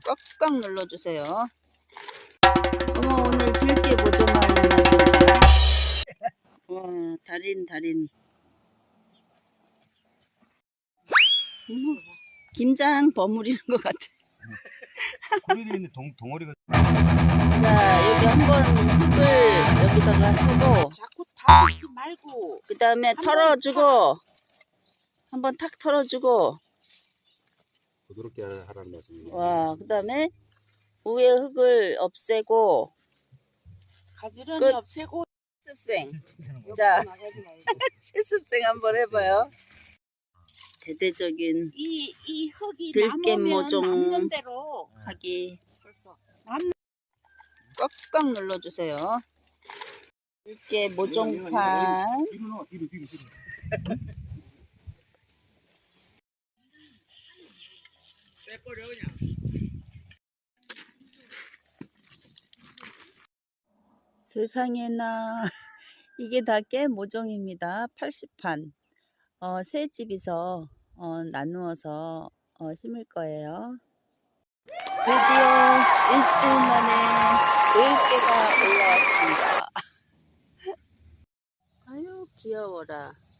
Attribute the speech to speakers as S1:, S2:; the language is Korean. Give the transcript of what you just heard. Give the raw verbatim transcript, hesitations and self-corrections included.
S1: 꽉꽉 눌러주세요. 어머, 오늘 들깨 모종하는 날입니다. 와, 달인 달인. 어머, 김장 버무리는 것 같아.
S2: 고리에 있는 동, 덩어리가.
S1: 자, 여기 한번 흙을 여기다가 하고
S3: 자꾸 다 넣지 말고
S1: 그 다음에 털어주고 한번 탁 털어주고
S2: 부드럽게 하라는 말씀이에요.
S1: 와, 그 다음에 위에 흙을 없애고
S3: 가지런히
S1: 끝.
S3: 없애고.
S1: 실습생. 자,
S3: 나가지 말고.
S1: 실습생 한번 해봐요. 대대적인
S3: 이, 이 흙이
S1: 들깨
S3: 남으면
S1: 모종
S3: 남는 대로
S1: 하기.
S3: 벌써 남.
S1: 꽉꽉 눌러주세요. 들깨 모종판.
S2: 뒤로 넣어, 뒤로, 뒤로, 뒤로. 빼버려, 그냥.
S1: 세상에나. 이게 다 깨 모종입니다. 팔십 판. 어, 새 집에서 어, 나누어서 어, 심을 거예요. 드디어 일주일 만에 들깨가 올라왔습니다. 아유, 귀여워라.